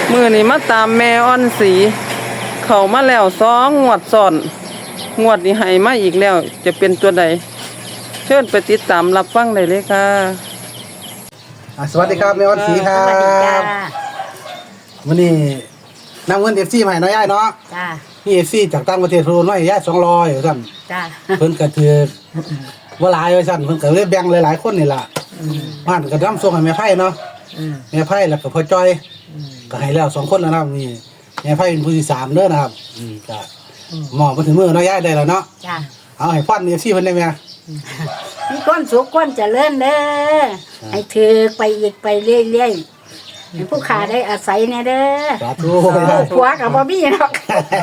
มื้อนี้มาตามแม่อ่อนสีเข้ามาแล้ว2 งวดซ้อนงวดนี้ให้มาอีกแล้วจะเป็นตัวใดเชิญไปติดตามรับฟังได้เลยค่ะสวัสดีครับแม่วันศรีครัสวัสดีจ้าบวันนี้นำเงินเอฟซีมาให้น้อยย่ายเนาะจ้านี่เอฟซีจากต่างประเทศโทรน้อยย่าย200สั่นจ้าเพิ่นก็ถือว่าหลายไว้สั่นเพิ่นก็เลยแบ่งหลายๆคนนี่ล่ะบ้านก็นำส่งให้แม่ไผ่เนาะแม่ไผ่แล้วก็พ่อจ้อยก็ให้แล้ว2 คนแล้วนะครับนี่แม่ไผ่เป็นผู้ที่3เด้อนะครับก็หมอมาถึงมือน้อยย่ายได้แล้วเนาะจ้าเอาให้ฟันเอฟซีเพิ่นได้ไหมมีความสุขความเจริญเด้อให้ถือไปอีกไปเรื่อยๆให้ผู้ขาได้อาศัยแน่เด้อสาธุผัวกับบ่มีหรอก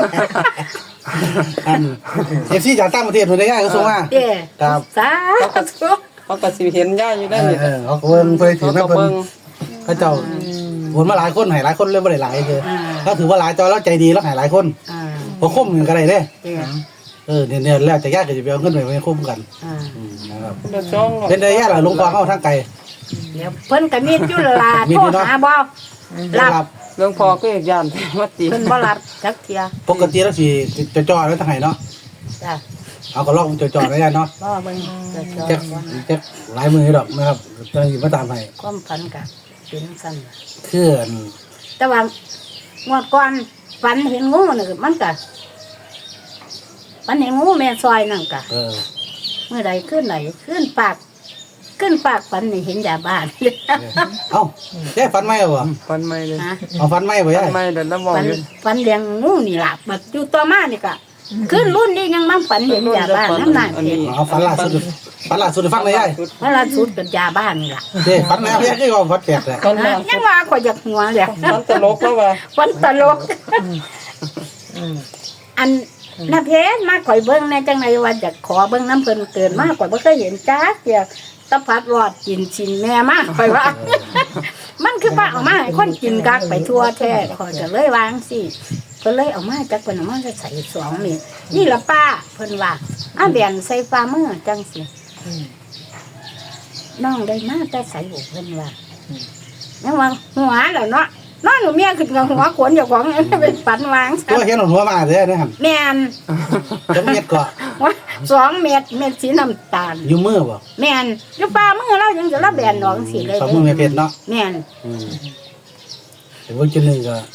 เอฟซีจากต่างประเทศเพิ่นได้ย่ายก็ส่งมาเด้อครับสาธุเขาก็สิเห็นย่าอยู่ได้นี่เขาก็เบิ่งเพิ่นถือแม่เขาก็เพิ่นเบิ่งเขาเจ้าวนมาหลายคนให้หลายคนเลยบ่ได้หลายคือถ้าถือว่าหลายจอแล้วใจดีแล้วให้หลายคนอ่าพอคมกันก็ได้เด้เด้อเนี่ยแล้วแต่ญาติก็จะไปเอาเงินไปคมกันอ่านะครับเดือดร้อนเป็นได้ญาติล่ะลงกองเข้าทางไกลเดี๋ยวเพิ่นก็มีอยู่ละล่ะมีโทอยู่รเนาะหาบ่รับรับเรื่องพอก็ย่านมาตีเพิ่นบ่รับจักเที่ยปกติแล้วสิจะจ่อไว้ทางไหนเนาะจ้าเอาก็ลอกจ่อๆไว้ได้เนาะบ่เบิ่งจะจอจะบ่จะหลายมือดอกนะครับจะอยู่มาตามให้ความฝันก็เป็นซั่นคืออันแต่ว่างวดก่อนฝันเห็นงูนี่ก็มันก็ฝันเห็นงูแม่ซอยนั่นก็เมื่อใดขึ้นไหนขึ้นปากฝันนี่เห็นยาบ้านเอ้าแย่ฟันไหมเอาบ่ฟันไม่เลยนะเอาฟันไหมบ่ฟัย่านไม่เดินน้ำมองฝันอยู่ฝันเลี้ยงงูนี่ล่ะบัดอยู่ต่อมานี่ก็ขึ้นรุ่นนี้ยังมั่งฝันเห็นยาบ้านน้ำหนักเห็นเอาฟันล่าสุดฟังได้ย่ายเมื่อล่าสุดเป็นยาบ้านนี่ล่ะเด้ฟันแล้วย่าคือว่าฟันแตกแหละฟันยังว่าก็อยากหัวเลยฟันตลกแล้วว่าฝันตลกอันนาเพชรมาข่อยเบิ้งในจังไรว่าอยากขอเบิ้งน้ำเพิ่นเกินมากกว่าบ่เคยเห็นจ้าเกี่ยวตะพัดรอดกินชินแม่มากข่อยว่า มันคือป้าเอามาให้คนกินกักไปทั่วแท้ข่อยก็เลยวางสิเพิ่นเลยเอามาจากเพิ่นเอามาจะใส่2 เม็ดนี่ละป้าเพิ่นว่าแบ่งใส่ฝ่ามือจังสิน้องได้มาแต่ใส่บุเพิ่นว่ายังว่าหัวแล้วเนาะนอนหนูเมียขึ้นกับหัวขนเจ้าของเป็นฝันวางตัวเห็นหัวมาเด้อนะครับแม่นจะเม็ดก็ว่า2 เม็ดเม็ดสีน้ำตาลอยู่มือบ่แม่นอยู่ป่ามือเรายังจะรับแบนดอกสิเลยสองมือไม่เผ็ดเนาะแม่นแต่ว่าจุดหนึ่งก็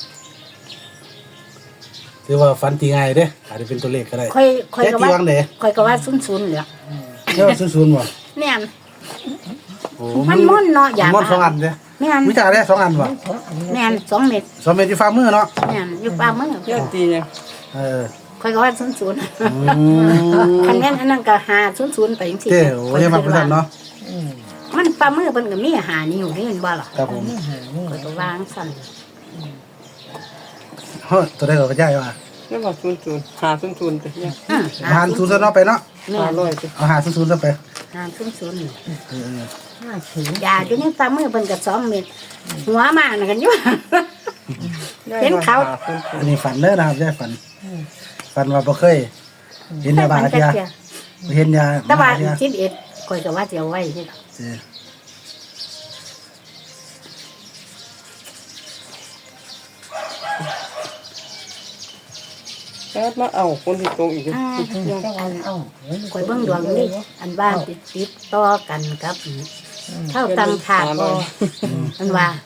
ถือว่าฟันตีง่ายเด้อาจจะเป็นตัวเลขก็ได้ค่อยแค่ก็ตีว่าวังเด้ค่อยก็ว่าซุนๆเหลือเรียกว่าศูนย์บ่แม่นโอ้มันม่อนเนาะอย่ามันสองอันเด้แม่นวิจารณ์ได้2 อันบ่แม่น2 เม็ด 2 เม็ดที่ฝ่ามือเนาะแม่นอยู่ป่ามือเที่ยวตีเนี่ยค่อยก็ว่าซุนอืมๆคันแม่นอันนั้นก็หาซุนๆไปจังซี่เจ้โอ้ยมาพุ่นเนาะมันป่ามือเพิ่นก็มีหานิ้วนี่เห็นบ่ล่ะครับผมค่อยก็วางสั่นเฮ้ยตัวได้ก็ย้ายว่าเรื่องว่าหาศูนย์ไปเนี่ยหารศูนย์ซะเนาะไปเนาะแม่น 500ไปเอาหาศูนย์ซะไปหาซุนๆยาอยู่ในป่ามือเพิ่นก็2 เม็ดหัวมาน่ะกันอยู่ เห็นเขาอันนี้ฝันเด้อนะครับย้ายฝันว่าบ่เคยเห็นยาบ้าเทียเห็นยาแต่ว่าเทีย 11ข่อยก็ว่าจะเอาไว้ที่เจ้แล้วมาเอาคนที่ตรงอีกข่อยเบิ่งดวงนี่อันบ้านติดต่อกันกับเท่าตังถาดบ่อันว่า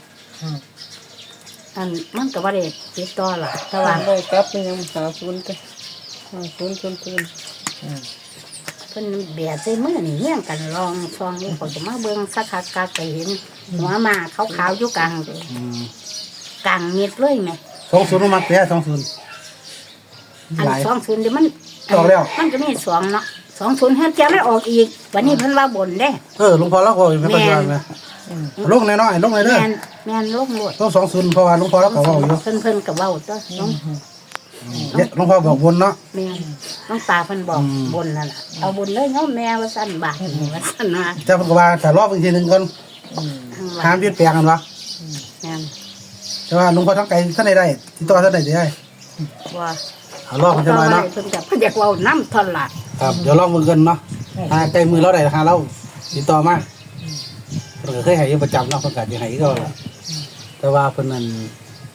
อันมันก็บ่ได้ติดต่อหรอกแต่ว่าได้กลับไปยังหาศูนย์ไปหาศูนย์เพิ่นเบียดใส่มือนี่เฮี้ยงกันลองซองนี่ข่อยก็มาเบิ่งสักคักก็ไปเห็นหัวหมาขาวๆอยู่กลางเม็ดเลยแม่ 20มาเทีย20 อันหลาย 20เดี๋ยวมันออกแล้วมันก็มี2เนาะ20เฮ็ดจะไม่ออกอีกวันนี้เพิ่นว่าบ่นเด้หลวงพ่อแล้วก็ไม่ปัจจุบันนะลงน้อยๆลงเลยเด้อแม่นลงโลดต้อง20เพราะว่าหลวงพ่อแล้วก็เว้าอยู่เพิ่นก็เว้าตัวน้องหลวงพ่อบอกวนเนาะแม่น้องตาเพิ่นบอกบนนั่นน่ะเอาบนเลยเนาะแม่ว่าสั่นบาทนี่ว่าสั่นว่าแต่เพิ่นก็ว่าถ้ารอบอีกทีนึงก่อนห้ามเปลี่ยนแปลงกันวะแม่นแต่ว่าหลวงพ่อทั้งไกลท่านได้ที่ต่อท่านได้ว่าเอารอบมันจะน้อยเนาะเพิ่นก็เพิ่นอยากเว้านำทอนละครับเดี๋ยวลองมือกันเนาะใกล้มือเราได้หาเราติดต่อมาเพิ่นก็เคยให้อยู่ประจำเนาะเพิ่นก็สิให้ก็แต่ว่าเพิ่นนั่น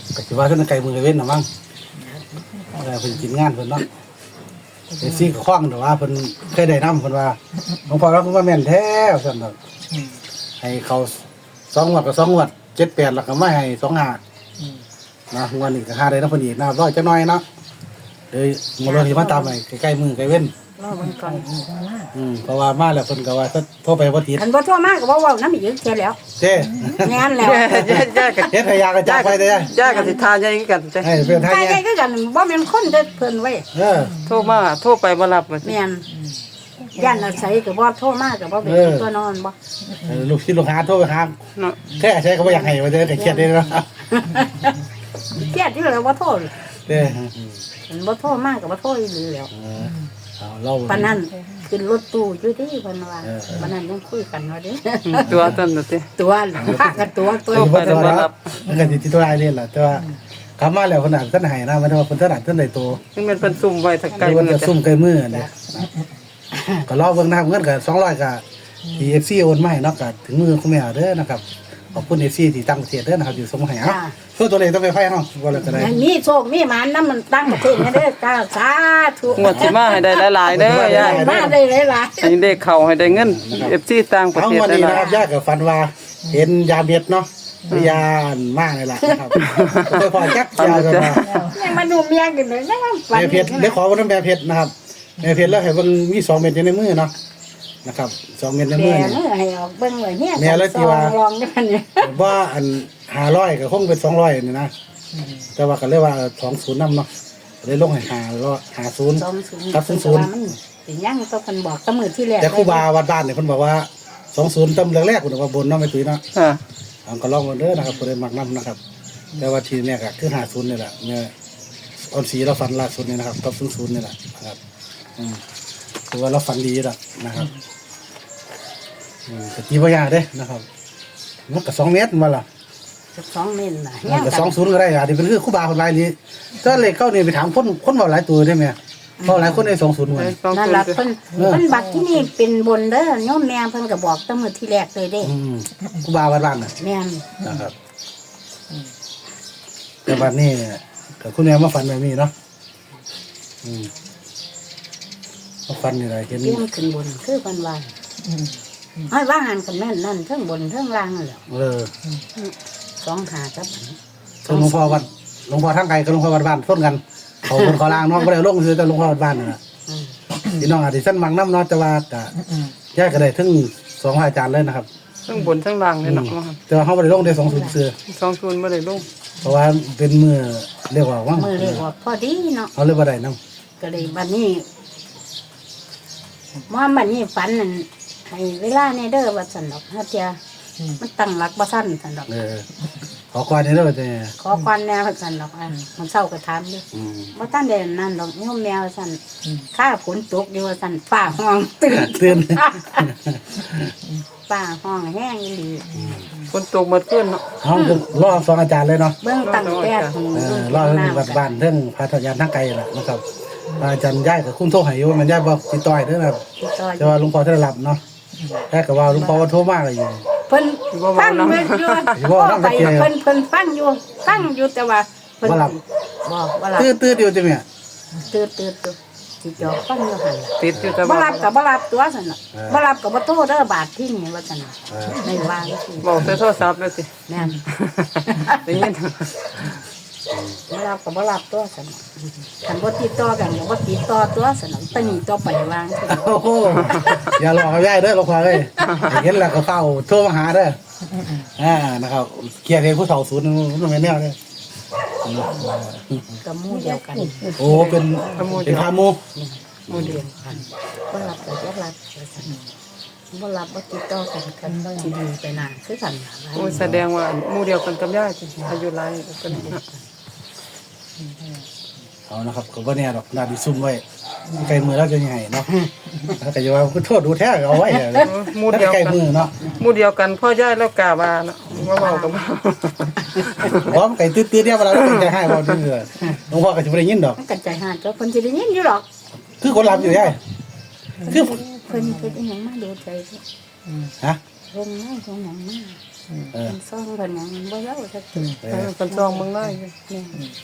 ก็สิว่าท่านไก่มือเว้นน่ะมั้งเพิ่นกินงานเพิ่นเนาะไอ้ซี่ก็คล้องแต่ว่าเพิ่นเคยได้นำเพิ่นว่าหลวงพ่อเราเพิ่นว่าแม่นแท้ซั่นดอกให้เขา2งวดก็2งวด7-8แล้วก็มาให้25นะงวดนี้ก็หาได้นำเพิ่นอีกนะครับร้อยจักหน่อยเนาะเลยมื้อนี้สิมาตามให้ใกล้ๆมือใกล้เว้นรอเบิ่งก่อนเพราะว่ามาแล้วเพิ่นก็ว่าโทรไปบ่ติดคันบ่โทรมาก็บ่เว้านำอีกแค่แล้วเด้แม่นแล้วย่ากับเฮ็ดให้ยากระจากไปเด้ย่ากับสิทาใหญ่คือกันจ้ะให้เป็นไทยใกล้ๆคือกันบ่แม่นคนเด้อเพิ่นไว้โทรไปบ่รับว่าสิแม่นย่านอาศัยก็บ่โทรมาก็บ่เป็นตัวนอนบ่ลูกศิษย์ลูกหาโทรไปหาเนาะแค่ใช้ก็บ่อยากให้ว่าเด้อก็เครียดเด้เนาะเครียดอยู่แล้วบ่โทรเด้มันบ่โทรมาก็บ่โทรอีหลีแล้วเอาเราปานนั้นขึ้นรถตู้อยู่ที่เพิ่นว่าปานนั้นยังคุยกันว่าเด้ตัวต้นน่ะติตัวพากันตัวตัวบ่ตัวรับมันก็สิติดตัวได้เล่นล่ะแต่ว่ากลับมาแล้วเพิ่นน่ะเพิ่นให้นะมันว่าเพิ่นถนัดเพิ่นได้ตัวซึ่งมันเป็นซุ่มไว้ถ้าไกลเพิ่นมือก็จ้ะซุ่มใกล้มือเนี่ยก็รอเบิ่งนะครับเงินก็200ก็ที่ FC โอนมาให้เนาะก็ถึงมือคุณแม่เด้อนะครับขอบคุณ FC ที่ตั้งประเทศเด้อนะครับที่ส่งมาให้เอ้าส่วนตัวเลขต้องไปไผเนาะว่าแล้วก็ได้มีโชคมีหมานนำมันตั้งประเทศเด้อจ้าสาธุงวดสิมาให้ได้หลายๆเด้อย่ามาได้หลายให้เด็กเข้าให้ได้เงิน FC ต่างประเอาเทศวันได้นี้หลานะยครับญาติกับฟันว่าเห็นยาเบ็ดเนาะยานมากเลยล่ะนะครับไปพอจักยากันมาๆยังมาดูเมียกันเลยนะฝันแม่เพชรได้ขอวันนั้นแม่เพชรนะครับแม่เพชรแล้วให้เบิ่งมี2เม็ดอยู่ในมือเนาะนะครับ2เม็ดในมืแม่อเนื้อให้ออกเบิ่งเลยเนี่ยแม่แล้วที่ว่าลองด้วยกันเนี่ยว่าอัน500ก็คงเป็น200นี่นะแต่ว่าก็เลยว่า20นำเนาะเลยลงให้50กับ00 มันเป็นยังต้องคนบอกตะมือที่แรกแต่ครูบาวัดบ้านเนี่ยเพิ่นบอกว่า20ตำแรกๆเพิ่นว่าบนเนาะไม่ตุ้ยเนาะค่ะเอาก็ลองกันเด้อนะครับผู้ใดมักนํนะครับแต่ว่าทีเนี่ยก็คือ50นี่แหละเนี่ยออนสีเราฝันล่าสุดนี่นะครับกับ00นี่แหละนะครับถือว่าเราฝันดีแล้วนะครับก็ตีบ่ยากเด้นะครับมันก็2เมตรมาล่ะ 2 เมตรน่ะมันก็20ก็ได้อาจจะเป็นคือครูบาคนหลายนี้ถ้าเลขเข้านี่ไปถามคนเว้าหลายตัวได้มั้ยเพราะหลายคนได้20หมดนั่นล่ะเพิ่นบัตรที่นี่เป็นบนเด้อโยมแม่เพิ่นก็บอกตะมือที่แรกเลยเด้ครูบาวัดบ้านน่ะแม่นนะครับแต่วันนี้กับคุณแม่มาฝันแบบนี้เนาะมาฝันนี่แหละเห็นเตรียมขึ้นบนคือเพิ่นว่าให้ว่าหันกันแม่นนั่นเทั้งบนเทั้งล่างนั่นแหละ 2 หากับหลวงพ่อวัดหลวงพ่อทางไกลกับหลวงพ่อวัดบ้านส้นกันเขาคนเขาล่างน้องก็ได้ลงคือแต่หลวงพ่อวัดบ้านน่ะพี่น้องอาจจะสั้นมังน้ำเนาะแต่ว่าก็แยกกันได้ถึง2อาจารย์เลยนะครับทั้งบนทั้งล่างเลยเนาะแต่ว่าเขาไม่ได้ลงได้20เสือ 20บ่ได้ลงเพราะว่าเป็นมือเรียกว่าว่างมือเรียกว่าพอดีเนาะเขาเรียกว่าได้น้ก็เลยบัดนี้บัดนี้ฝันนั่นให้เวลาในเด้อว่าซั่นดอกฮะเตียมันตั้งหลักบ่ซั่นซั่นดอกขอความนี้แล้วแต่ขอควันแนวว่าซั่นดอกมันเศร้าก็ถามอยู่บ่ทันได้นั่นดอกโยมแมวว่าซั่นข้าฝนตกอยู่ว่าซั่นฟ้าห้องตื่นเตือนฟ้าห้องแห้งอีหลีฝนตกหมดขึ้นเนาะห้องรอ2อาจารย์เลยเนาะเบิ่งตั้งแต่รอดเรื่องวัดบ้านเรื่องพาทยานทางไกลแหละนะครับอาจารย์ย้ายกับคุณโทรให้อยู่มันย้ายบอกติดต่อยเด้อนะครับติดต่ออแต่ยู่ว่าหลวงพ่อท่านหลับเนาะแค่กับว่าหลวงพ่อว่าโทรมากเลยอยู่เพิ่นฟังเบิ่งอยู่ไปเพิ่นฟังอยู่แต่ว่าเพิ่นบ่หลับตื้ออยู่จังเนี่ยตื่นสิจอกฟังอยู่หั่นติดอยู่แต่บ่ว่ารับก็บ่รับตัวซั่นน่ะบ่รับก็บ่โทรเด้อบาทที่นี่ว่าซั่นน่ะในวางสิบอกแต่โทรศัพท์เลยสิแม่นได้ยินบ่รับก็บ่รับตัวซั่นน่ะคันบ่ติดต่อกันก็บ่ติดต่อตัวซั่นน่ะตะนี้ต่อไปวางสิโอ้โหอย่าหลอกเขาย้ายเด้อหลวงพ่อเลยเห็นแล้วก็เฝ้าโทรมาหาเด้อนะครับเกียรติผู้เฒ่าศูนย์มันไม่แน่เลยก็หมู่เดียวกันโอ้เป็นพามูหมู่เดียวกันบ่รับก็บ่รับว่าซั่นบ่รับบ่ติดต่อกันกันสิดีไปนานคือกันน่ะโอ้ยแสดงว่าหมู่เดียวกันกับย่าสิอายุหลายกันเนาะเอานะครับก็บ่แน่ดอกนาดิซุ่มไว้ไกลมือแล้วจะยังไงเนาะถ้าก็จะว่าโทษดูแท้เอาไว้หมู่เดียวไกลกันมือเนาะหมู่เดียวกันพ่อย่าแล้วกาว่าเนาะว่าเว้ากับพร้อมไก่ตื้อๆเดียวเวลาเราจะให้บ่ดื้อหลวงพ่อก็จะบ่ได้ยินดอกมันกันใจหาดก็เพิ่นสิได้ยินอยู่หรอกคือคนรับอยู่ใช่คือเพิ่นเฮ็ดอีหยังมาดูใจฮะลงมาลงหยังมาซ่องกันยังบ่เล่าสักทีเป็นซองเมืองได้นี่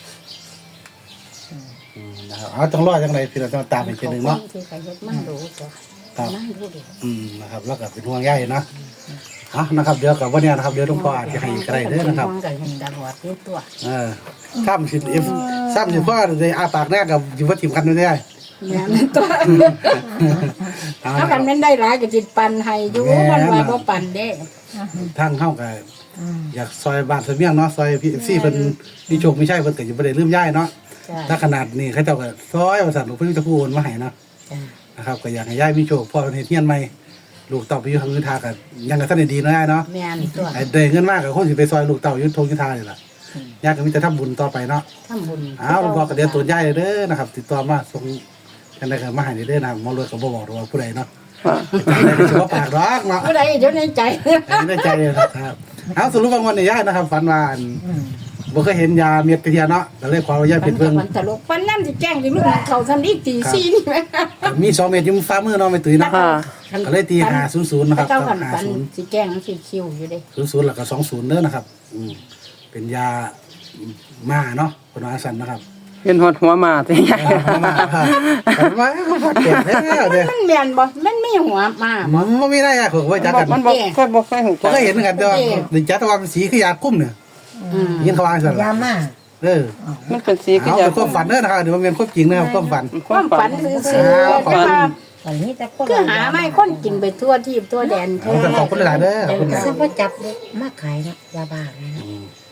นะครับเอาต้องรอจังไดพี่เราต้องตามอีกทีหนึงเนาะที่ใครเฮ็ดมาดูจ้ะครับนั่งดูดินะครับแล้วก็เป็นห่วงใยนะนะครับเดี๋ยวกับวันนี้นะครับเดี๋ยวหลวงพ่ออาจจะให้อีกก็ได้เด้อนะครับมองกันเห็นตลอดที่ตัวซ้ำสิซ้ำสิพ่อได้อาปากแรกกับอยู่ว่าทีมกันไม่ได้แม่นตัวถ้ากันแม่นได้หลายก็สิปันให้อยู่มันว่าบ่ปันเด้ทางเข้ากับอยากซอยบ้านซอยเมียงเนาะซอยพี่ซี่เพิ่นมีโชคมีชัยเพิ่นก็อยู่บ่ได้ลืมย้ายเนาะจ้ะถ้าขนาดนี้เขาเจ้าก็ซอยว่าซั่นหลวงพ่อจะพูดมาให้เนาะจ้ะนะครับก็อยากให้ย้ายมีโชคพ่อเพิ่นเฮ็ดเฮียนใหม่ลูกเต่าไปอยู่ทางอื่นทาก็ยังก็ทันได้ดีเนาะย้ายเนาะแม่นตัวไอ้ได้เงินมากก็คงสิไปซอยลูกเต่าอยู่ทงยุทธานี่ล่ะย้ายก็มีแต่ทำบุญต่อไปเนาะทำบุญอ้าวหลวงพ่อก็เดี๋ยวตัวย้ายเด้อนะครับติดต่อมาส่งกันได้ก็มาให้เด้อนะหมอรวยก็บ่บอกว่าผู้ใดเนาะได้ก็สิบ่ปากดอกเนาะผู้ใดเดี๋ยวในใจในใจเลยครับเอาสรุปบางวันเนี่ยย่ายนะครับฝันว่าบ่เคยเห็นยาเม็ดกระเทียเนาะก็เลยขออนุญาตเป็นเบิ่งมันตลกปันน้ำสิแจ้งที่ลูกเขาทำอีกตีสี่นี่ไหมมี2เม็ดอยู่ฟ้ามือเนาะไม่ตุ้ยเนาะค่ะก็เลยตี500นะครับเจ้าขันปัน 50 สิแจ้งสิคิวอยู่เด้ 00แล้วก็20เด้อนะครับเป็นยามาเนาะคนว่าสั่นนะครับเป็นหดหัวหมาที่ใหญ่มาครับมาก็พอเก็บแล้วเด้อมันแม่นบ่มันมีหัวมามันบ่มีได้อ่ะผมว่าจักกันมันบอกเคยหูผมก็เห็นเหมือนกันแต่ว่าดิจักแต่ว่าเป็นสีคือยาคุ้มเนี่ยยินเขาว่าสั่นยามามันเป็นสีก็เอาอยาเป็นความฝันเด้อนะครับเดี๋ยวมันเป็นความจริงนะครับความฝันความฝันซื่อๆแต่ว่าวันนี้แต่คนคือหาไม่คนกินไปทั่วที่ทั่วแดนแท้ขอบคุณหลายๆเด้อขอบคุณซื้อมาจับเลยมาขายนะยาบ้าเลยนะ